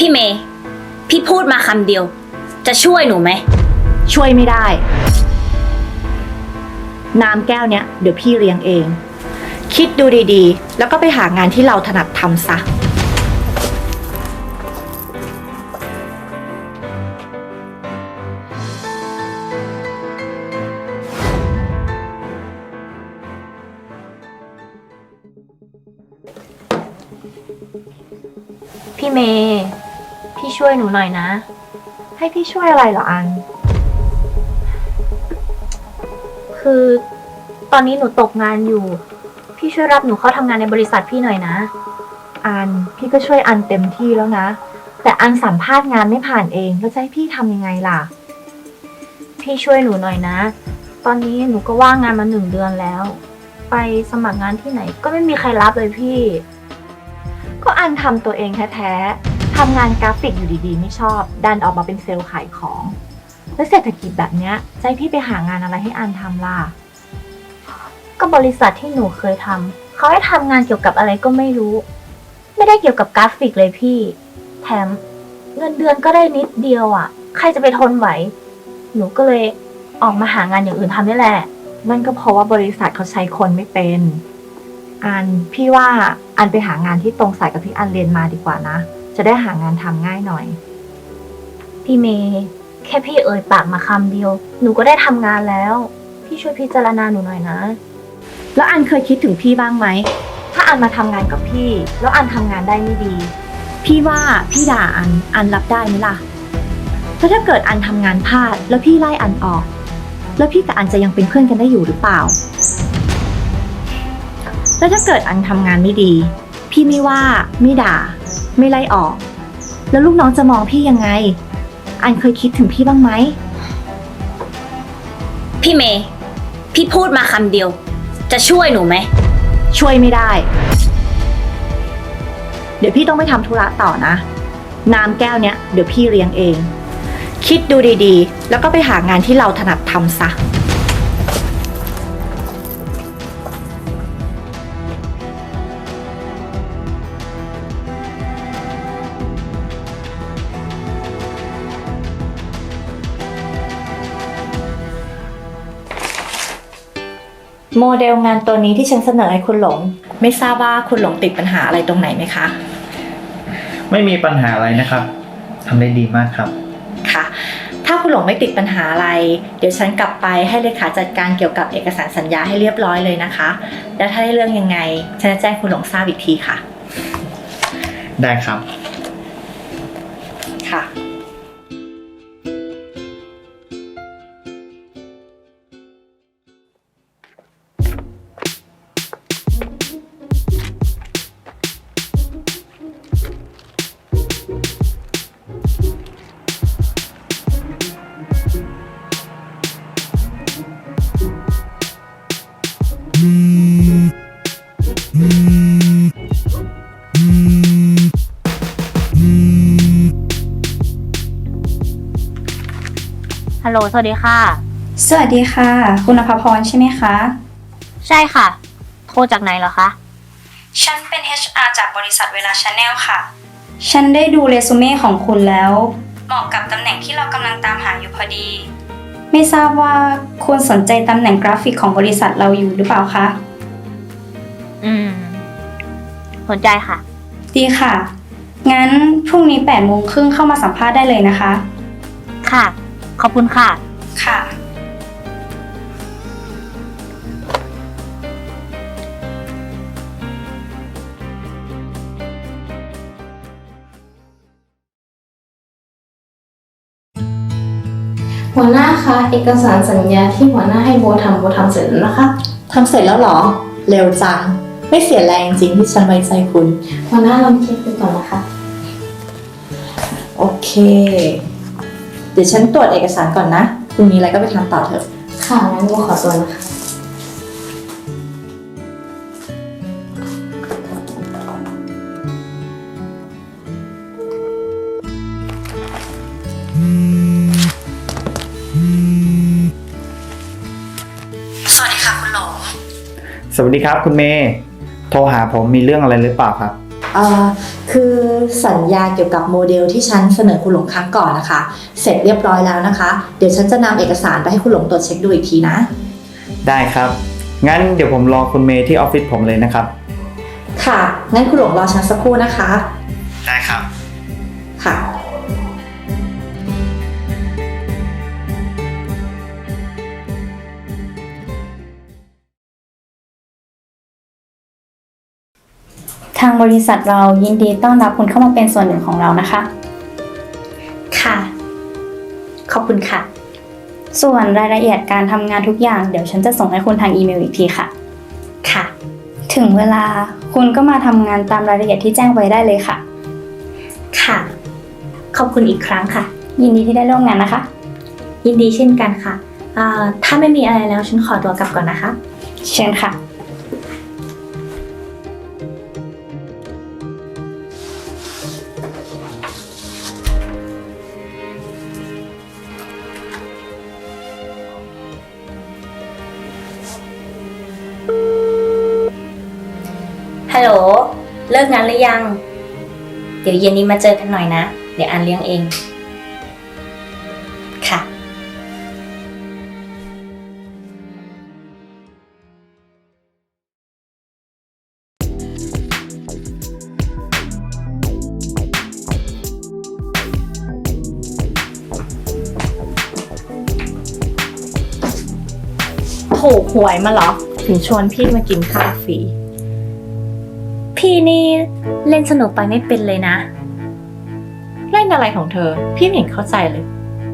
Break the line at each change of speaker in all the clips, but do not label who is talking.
พี่เมย์พี่พูดมาคำเดียวจะช่วยหนูไหม
ช่วยไม่ได้น้ำแก้วเนี้ยเดี๋ยวพี่เลี้ยงเองคิดดูดีๆแล้วก็ไปหางานที่เราถนัดทำซะ
พี่เมย์พี่ช่วยหนูหน่อยนะ
ให้พี่ช่วยอะไรเหรออัน
คือตอนนี้หนูตกงานอยู่พี่ช่วยรับหนูเข้าทำงานในบริษัทพี่หน่อยนะ
อันพี่ก็ช่วยอันเต็มที่แล้วนะแต่อันสัมภาษณ์งานไม่ผ่านเองแล้วจะให้พี่ทำยังไงล่ะ
พี่ช่วยหนูหน่อยนะตอนนี้หนูก็ว่างงานมา1 เดือนแล้วไปสมัครงานที่ไหนก็ไม่มีใครรับเลยพี่
ก็อันทำตัวเองแท้ๆทำงานกราฟิกอยู่ดีๆไม่ชอบดันออกมาเป็นเซลล์ขายของแล้วเศรษฐกิจแบบเนี้ยจะให้พี่ไปหางานอะไรให้อันทำล่ะ
ก็บริษัทที่หนูเคยทำเขาให้ทำงานเกี่ยวกับอะไรก็ไม่รู้ไม่ได้เกี่ยวกับกราฟิกเลยพี่แถมเงินเดือนก็ได้นิดเดียวอ่ะใครจะไปทนไหวหนูก็เลยออกมาหางานอย่างอื่นทำนี่แหละ
นั่นก็เพราะว่าบริษัทเขาใช้คนไม่เป็นอันพี่ว่าอันไปหางานที่ตรงสายกับที่อันเรียนมาดีกว่านะจะได้หางานทำง่ายหน่อย
พี่เมย์แค่พี่เอ่ยปากมาคำเดียวหนูก็ได้ทำงานแล้วพี่ช่วยพิจารณาหนูหน่อยนะ
แล้วอันเคยคิดถึงพี่บ้างไหมถ้าอันมาทำงานกับพี่แล้วอันทำงานได้ไม่ดีพี่ว่าพี่ด่าอันรับได้ไหมล่ะแล้วถ้าเกิดอันทำงานพลาดแล้วพี่ไล่อันออกแล้วพี่กับอันจะยังเป็นเพื่อนกันได้อยู่หรือเปล่าแล้วถ้าเกิดอันทำงานไม่ดีพี่ไม่ว่าไม่ด่าไม่ไล่ออกแล้วลูกน้องจะมองพี่ยังไงอันเคยคิดถึงพี่บ้างไหม
พี่เมย์พี่พูดมาคำเดียวจะช่วยหนูไหม
ช่วยไม่ได้เดี๋ยวพี่ต้องไปทำธุระต่อนะน้ำแก้วเนี้ยเดี๋ยวพี่เลี้ยงเองคิดดูดีๆแล้วก็ไปหางานที่เราถนัดทำซะโมเดลงานตัวนี้ที่ฉันเสนอให้คุณหลงไม่ทราบว่าคุณหลงติดปัญหาอะไรตรงไหนไหมคะ
ไม่มีปัญหาอะไรนะครับทำได้ดีมากครับ
ค่ะถ้าคุณหลงไม่ติดปัญหาอะไรเดี๋ยวฉันกลับไปให้เลขาจัดการเกี่ยวกับเอกสารสัญญาให้เรียบร้อยเลยนะคะแล้วถ้าได้เรื่องยังไงฉันจะแจ้งคุณหลงทราบอีกทีค่ะ
ได้ครับ
ค่ะ
ฮัลโหลสวัสดีค่ะ
สวัสดีค่ะคุณอภพรใช่ไหมคะ
ใช่ค่ะโทรจากไหนเหรอคะ
ฉันเป็น HR จากบริษัทเวลา Channel ค่ะฉันได้ดูเรซูเม่ของคุณแล้วเหมาะกับตำแหน่งที่เรากำลังตามหาอยู่พอดีไม่ทราบว่าคุณสนใจตำแหน่งกราฟิกของบริษัทเราอยู่หรือเปล่าคะ
สนใจค่ะ
ดีค่ะงั้นพรุ่งนี้8:30 น.เข้ามาสัมภาษณ์ได้เลยนะคะ
ค่ะขอบคุณค่ะ
ค่ะ
หัวหน้าคะเอกสารสัญญาที่หัวหน้าให้โบทำเสร็จแล้วนะคะ
ทำเสร็จแล้วเหรอเร็วจังไม่เสียแรงจริงที่ฉันไว้ใจคุณ
หัวหน้าลองเช็คดูก่อนนะคะ
โอเคเดี๋ยวฉันตรวจเอกสารก่อนนะคุณมีอะไรก็ไปทำต่อเถอะ
ค่ะงั้นโบขอตัวนะคะ
สวัสดีค่ะคุณหลง
สวัสดีครับคุณเมย์โทรหาผมมีเรื่องอะไรหรือเปล่าครับ
คือสัญญาเกี่ยวกับโมเดลที่ฉันเสนอคุณหลงครั้งก่อนนะคะ เสร็จเรียบร้อยแล้วนะคะ เดี๋ยวฉันจะนำเอกสารไปให้คุณหลงตรวจเช็คดูอีกทีนะ
ได้ครับ งั้นเดี๋ยวผมรอคุณเมย์ที่ออฟฟิศผมเลยนะครับ
ค่ะ งั้นคุณหลงรอฉันสักครู่นะคะ
ได้ครับ
ค่ะ
ทางบริษัทเรายินดีต้อนรับคุณเข้ามาเป็นส่วนหนึ่งของเรานะคะ
ค่ะ ขอบคุณค่ะ
ส่วนรายละเอียดการทำงานทุกอย่างเดี๋ยวฉันจะส่งให้คุณทางอีเมลอีกทีค่ะ
ค่ะ
ถึงเวลาคุณก็มาทำงานตามรายละเอียดที่แจ้งไว้ได้เลยค่ะ
ค่ะ ขอบคุณอีกครั้งค่ะ
ยินดีที่ได้ร่วมงานนะคะ
ยินดีเช่นกันค่ะถ้าไม่มีอะไรแล้วฉันขอตัวกลับก่อนนะคะ
เชิญค่ะ
ฮัลโหล เลิกงานหรือยัง เดี๋ยวเย็นนี้มาเจอกันหน่อยนะ เดี๋ยวอันเลี้ยงเอง ค่ะ
ถูกหวยมาเหรอ ถึงชวนพี่มากินข้าวฟรี
พี่นี่เล่นสนุกไปไม่เป็นเลยนะ
เล่นอะไรของเธอ พี่ไม่เห็นเข้าใจเลย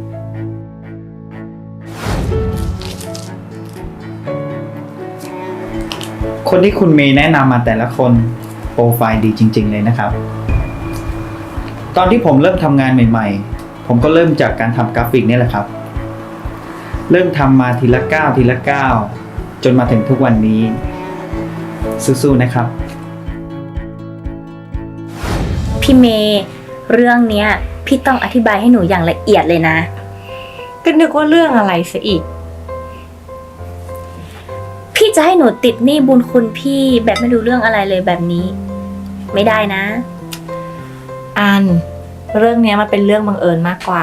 คนที่คุณเมย์แนะนำมาแต่ละคนโปรไฟล์ดีจริง ๆ เลยนะครับ ตอนที่ผมเริ่มทำงานใหม่ๆ ผมก็เริ่มจากการทำกราฟิกนี่แหละครับ เริ่มทำมาทีละก้าวทีละก้าวจนมาถึงทุกวันนี้ สู้ๆนะครับ
พี่เมย์เรื่องเนี้ย พี่ต้องอธิบายให้หนูอย่างละเอียดเลยนะ
ก็นึกว่าเรื่องอะไรซะอีก
พี่จะให้หนูติดหนี้บุญคุณพี่แบบไม่รู้เรื่องอะไรเลยแบบนี้ ไม่ได้นะ
อัน เรื่องเนี้ยมันเป็นเรื่องบังเอิญมากกว่า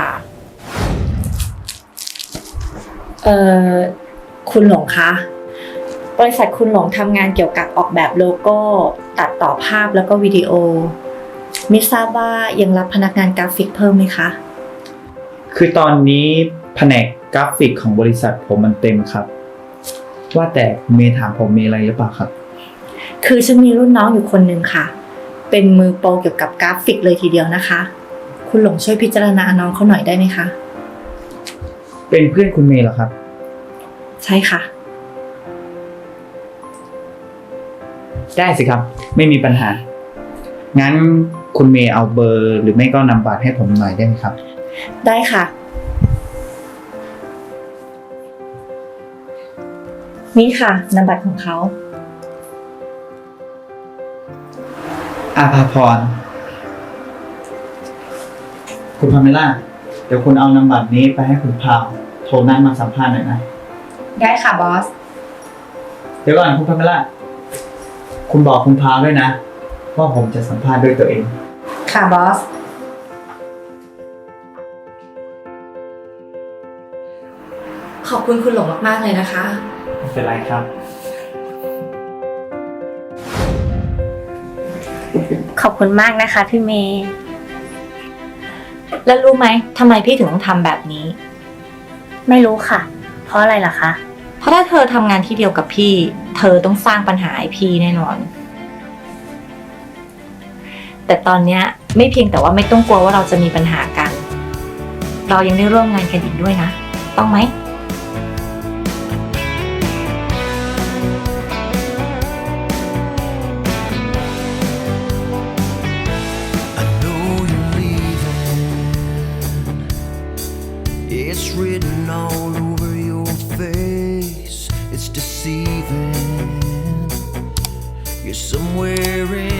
คุณหลงคะ บริษัทคุณหลงทำงานเกี่ยวกับออกแบบโลโก้ ตัดต่อภาพแล้วก็วิดีโอ ไม่ทราบว่ายังรับพนักงานกราฟิกเพิ่มไหมคะ
คือตอนนี้แผนกกราฟิกของบริษัทผมมันเต็มครับ ว่าแต่คุณเมย์ถามผมมีอะไรหรือเปล่าครับ
คือฉันมีรุ่นน้องอยู่คนหนึ่งค่ะ เป็นมือโปรเกี่ยวกับกราฟิกเลยทีเดียวนะคะ คุณหลงช่วยพิจารณาน้องเขาหน่อยได้ไหมคะ
เป็นเพื่อนคุณเมย์เหรอครับ
ใช่ค่ะ
ได้สิครับ ไม่มีปัญหา งั้นคุณเมย์เอาเบอร์หรือไม่ก็นำบัตรให้ผมหน่อยได้ไหมครับ
ได้ค่ะ นี่ค่ะนามบัตรของเขา
อาภาพร คุณพาเมล่า เดี๋ยวคุณเอานำบัตรนี้ไปให้คุณพาวโทรนัดมาสัมภาษณ์หน่อยนะ
ได้ค่ะบอส
เดี๋ยวก่อนคุณพาเมล่า คุณบอกคุณพาวด้วยนะว่าผมจะสัมภาษณ์ด้วยตัวเอง
ค่ะบอส ขอบคุณคุณหลงมากๆเลยนะคะ
ไม่เป็นไรครับ
ขอบคุณมากนะคะพี่เมย์
แล้วรู้ไหมทำไมพี่ถึงต้องทำแบบนี้
ไม่รู้ค่ะ เพราะอะไรล่ะคะ
เพราะถ้าเธอทำงานที่เดียวกับพี่ เธอต้องสร้างปัญหาให้พี่แน่นอน แต่ตอนเนี้ยไม่เพียงแต่ว่าไม่ต้องกลัวว่าเราจะมีปัญหากัน เรายังได้ร่วมงานกันอีกด้วยนะ ต้องไหม
I know you're leaving. It's written all over your face. It's deceiving. You're somewhere in